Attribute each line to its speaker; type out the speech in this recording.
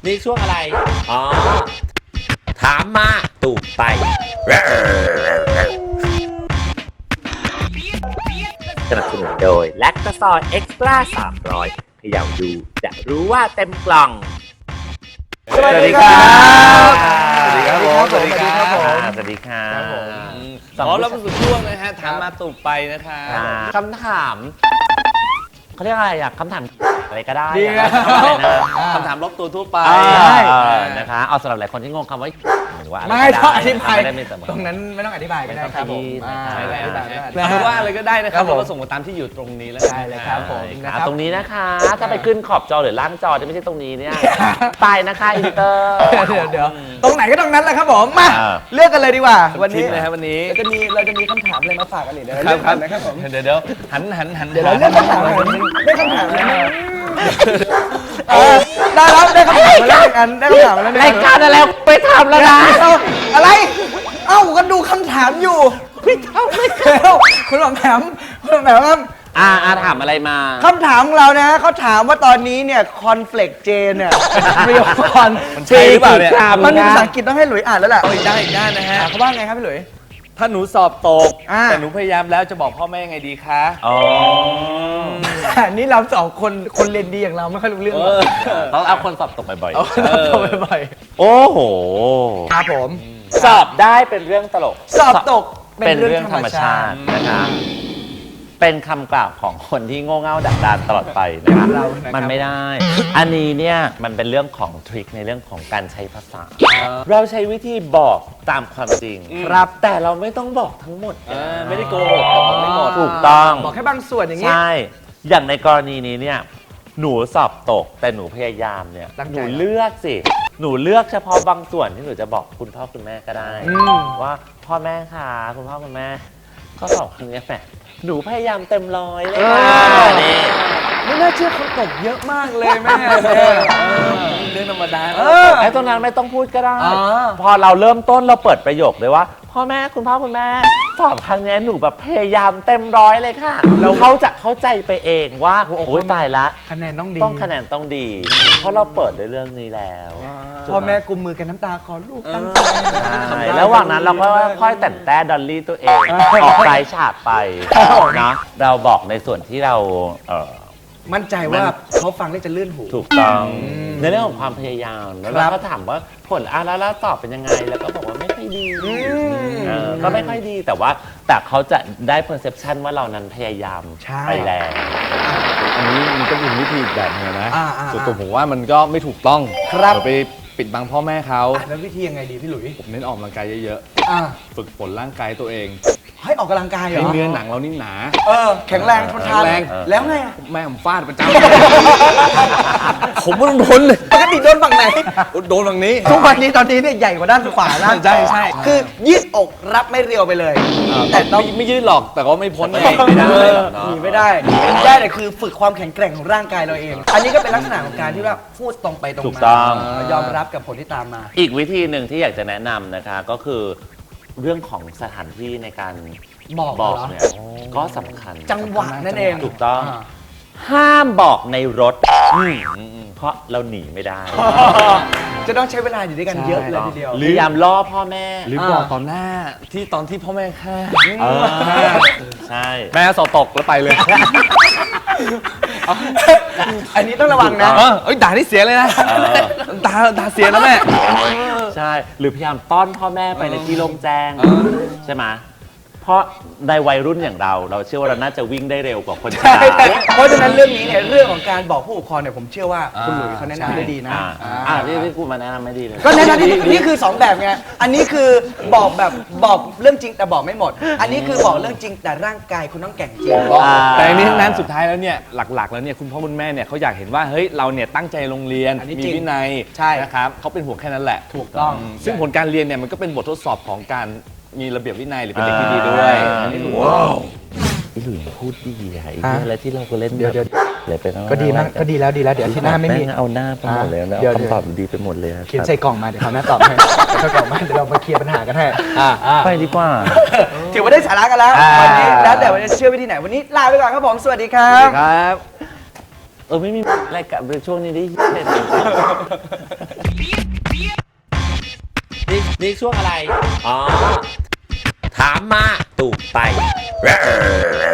Speaker 1: นี่ช่วงอะไรอ๋อถามมาตูบไปสนับสนุนโดยแลคตาซอยเอ็กซ์ตร้า300พยายามดูจะรู้ว่าเต็มกล่อง
Speaker 2: สวัสดีครับ
Speaker 1: สวัสดีครับผม
Speaker 2: สวัสดีครับผม
Speaker 1: สวัสดีครับ
Speaker 2: ขอรับสู่ช่วงนะฮะถามมาตูบไปนะคะ
Speaker 1: คำถามเขาเรียกอะไรอะคำถามอะไรก็ได้
Speaker 2: คำถามรอบตัวทั่วไป
Speaker 1: นะคะเอาสำหรับหลายคนที่งงคำว่าหรือว่า
Speaker 3: ไม่ต้องอธิบาย
Speaker 1: ตรงนั้น
Speaker 3: ไม่ต้องอธิบายก็ได้ครับผม
Speaker 2: หรือว่าอะไรก็ได้นะครับเราส่งมาตามที่อยู่ตรงนี้แล้ว
Speaker 3: ได้เลยครับผม
Speaker 1: ตรงนี้นะคะถ้าไปขึ้นขอบจอหรือล่างจอจะไม่ใช่ตรงนี้เนี่ยไปนะคะอินเตอร์
Speaker 3: เดี๋ยวตรงไหนก็ตรงนั้นแหละครับผมมาเลือกกันเลยดีกว่าวันนี้
Speaker 2: นะครับวันนี้
Speaker 3: เราจะมีคำถามอะไรมาฝากกันอีกเดี๋ยวเลือกกันนะครับผม
Speaker 2: เดี๋ยวหัน
Speaker 3: เดี๋ยวเราเลือกคำถามได้คำถามได้แล้วได้คำถามมาแล้วกันได้คำถามมาแล้ว
Speaker 1: รายการอะไรไปทำแล้วนะ
Speaker 3: อะไรก็ดูคำถามอยู่ไม่ทำไม่แล้วคุณหมอแหมครับ
Speaker 1: ถามอะไรมา
Speaker 3: คำถามของเรานะเขาถามว่าตอนนี้เนี่ยคอนเฟลกเจนเนี่ยเรียลคอน
Speaker 2: มันใช่หรือเปล่าเนี่ย
Speaker 3: มันมีภาษาอังกฤษต้องให้หลุยอ่านแล้วแหละ
Speaker 2: อีกด้านนะฮะ
Speaker 3: เขาว่าไงครับพี่หลุย
Speaker 2: ถ้าหนูสอบตกแต่หนูพยายามแล้วจะบอกพ่อแม่ไงดีคะ
Speaker 3: นี่เราสองคนเรียนดีอย่างเราไม่ค่อยรู้เรื่อง
Speaker 1: ต้องเอาคนสอบตกบ่อย
Speaker 3: ๆ
Speaker 1: โอ้โห
Speaker 3: ครับผม
Speaker 1: สอบได้เป็นเรื่องตลก
Speaker 3: สอบตก
Speaker 1: เป็นเรื่องธรรมชาตินะคะเป็นคำกล่าวของคนที่โง่เง่าดักดานตลอดไปนะคะมันไม่ได้อันนี้เนี่ยมันเป็นเรื่องของทริคในเรื่องของการใช้ภาษาเราใช้วิธีบอกตามความจริง
Speaker 3: ครับ
Speaker 1: แต่เราไม่ต้องบอกทั้งหมด
Speaker 2: ไม่ได้โกหกบอกไม่หมด
Speaker 1: ถูกต้อง
Speaker 3: บอกแค่บางส่วนอย่างนี้
Speaker 1: ใช่อย่างในกรณีนี้เนี่ยหนูสอบตกแต่หนูพยายามเนี่ยหนูเลือกสิหนูเลือกเฉพาะบางส่วนที่หนูจะบอกคุณพ่อคุณแม่ก็ได้ว่าพ่อแม่ค่ะคุณพ่อคุณแม่ข้อสอบครั้งนี้แฝงหนูพยายามเต็มร้อยเลย
Speaker 3: นี่ไม่น่าเชื่อเขาตกเยอะมากเลยแม่
Speaker 2: เรื่องธรรมดา
Speaker 1: ไอ้ตรงนั้นไม่ต้องพูดก็ได้พอเราเริ่มต้นเราเปิดประโยคเลยว่าพ่อแม่คุณพ่อคุณแม่สอบครั้งนี้หนูแบบพยายามเต็มร้อยเลยค่ะแล้วเขาจะเข้าใจไปเองว่าโอ๊ยตายละ
Speaker 3: คะแนนต้องดี
Speaker 1: คะแนนต้องดีเพราะเราเปิดด้วยเรื่องนี้แล้ว
Speaker 3: พ่อแม่กุมมือกันน้ำตาขอลูกตั้งใจ
Speaker 1: แล้วระหว่างนั้นเราก็ค่อยแต่งแต่ดอลลี่ตัวเองออกสายฉากไปนะเราบอกในส่วนที่เรา
Speaker 3: มั่นใจว่าเขาฟังแล้วจะลื่นหู
Speaker 1: ถูกต้องในเรื่องของความพยายามแล้วเราก็ถามว่าผลแล้วตอบเป็นยังไงแล้วก็บอกว่าไม่ค่อยดีก็ไม่ค่อยดีแต่เขาจะได้ perception ว่าเรานั้นพยายามไปแล้ว
Speaker 2: อันนี้มันก็เป็นวิธีแบบนึงนะส่วนตัวผมว่ามันก็ไม่ถูกต้องไปปิดบังพ่อแม่เขา
Speaker 3: แล้ววิธียังไงดีพี่หลุย
Speaker 2: ผมเน้นออกกำลังกายเยอะๆฝึกฝนร่างกายตัวเอง
Speaker 3: ให้ออกกำลังกายเหรอ
Speaker 2: ให้เนื้อหนังเรานิ่มหนา
Speaker 3: แข็งแรงทนทานแล้วไง
Speaker 2: แม่ผมฟาดประจำผมไม่ต้องทนเลย
Speaker 3: ปกติโดนฝั่งไหน
Speaker 2: โดนฝั่งนี้
Speaker 3: ทุกวันนี้ตอนนี้เนี่ยใหญ่กว่าด้านขวานะ
Speaker 2: ใช่
Speaker 3: คือยืดอกรับไม่เรียวไปเลย
Speaker 2: แต่ไม่ยืดหรอกแต่ก็ไม่พ้นไม่
Speaker 3: ได้แต่คือฝึกความแข็งแกร่งของร่างกายเราเองอันนี้ก็เป็นลักษณะของการที่ว่าพูดตรงไปตรงมายอมรับกับผลที่ตามมา
Speaker 1: อีกวิธีหนึ่งที่อยากจะแนะนำนะคะก็คือเรื่องของสถานที่ในการบอกเนี่ยก็สำคัญ
Speaker 3: จังหวะนั่นเอง
Speaker 1: ถูกต้องห้ามบอกในรถเพราะเราหนีไม่ได้
Speaker 3: จะต้องใช้เวลาอยู่ด้วยกันเยอะเลยทีเดียว
Speaker 1: พยายามล่อพ่อแม่
Speaker 2: หรือบอกตอนที่พ่อแม่ฆ่า
Speaker 1: ใช่
Speaker 2: แม่สอบตกแล้วไปเลย
Speaker 3: อันนี้ต้องระวังนะ
Speaker 2: ด่าที่เสียเลยนะด่าเสียนะแม่
Speaker 1: ใช่หรือพยายามต้อนพ่อแม่ไปในที่โล่งแจ้งใช่ไหมเพราะในวัยรุ่นอย่างเราเชื่อว่าเราน่าจะวิ่งได้เร็วกว่าคนชรา
Speaker 3: เพราะฉะนั้นเรื่องนี้เนี่ยเรื่องของการบอกผู้ปกครองเนี่ยผมเชื่อว่าคุณหลุยเขาแนะนำได้ดีนะ
Speaker 1: ที่กูมาแนะนำไม่ดีเลย
Speaker 3: ก็แนะนำนี่คือ2แบบไงอันนี้คือบอกเรื่องจริงแต่บอกไม่หมดอันนี้คือบอกเรื่องจริงแต่ร่างกายคุณต้องแข็งจริง
Speaker 2: แต่อันนี้ทั้งนั้นสุดท้ายแล้วเนี่ยหลักๆแล้วเนี่ยคุณพ่อคุณแม่เนี่ยเขาอยากเห็นว่าเฮ้ยเราเนี่ยตั้งใจโรงเรียนมีวินัยนะครับเขาเป็นห่วงแค่นั้นแหละ
Speaker 3: ถูกต้อง
Speaker 2: ซึ่งผลการเรียนเนี่ยมันก็เป็นบททดสอบของการมีระเบียบวินัยหรือเป็นเด็กที่ดีด้วย
Speaker 1: ว้าวพี่หลุยพูดดีไอ้อะไรที่เราก็เล่น
Speaker 3: เดี๋ยว
Speaker 1: เลยไปแล้ว
Speaker 3: ก็ดีมากก็ดีแล้วเดี๋ยวที่หน้าไม่มี
Speaker 1: เอาหน้าไปหมดเลยนะคำตอบดีไปหมดเลย
Speaker 3: เขียนใส่กล่องมาเดี๋ยวเขาหน้าตอบให้ใส่กล่องมาเดี๋ยวเรามาเคลียร์ปัญหากันให้
Speaker 1: ไปดีกว่า
Speaker 3: ถือว่าได้สาระกันแล้ววันนี้แล้วแต่วันนี้เชื่อวิธีไหนวันนี้ลาไปก่อนครับผมสวัสดีครับ
Speaker 1: ไม่มีอะไรกับช่วงนี้ได้เห็นนี่ช่วงอะไร อ๋อ ถามมาตูบไป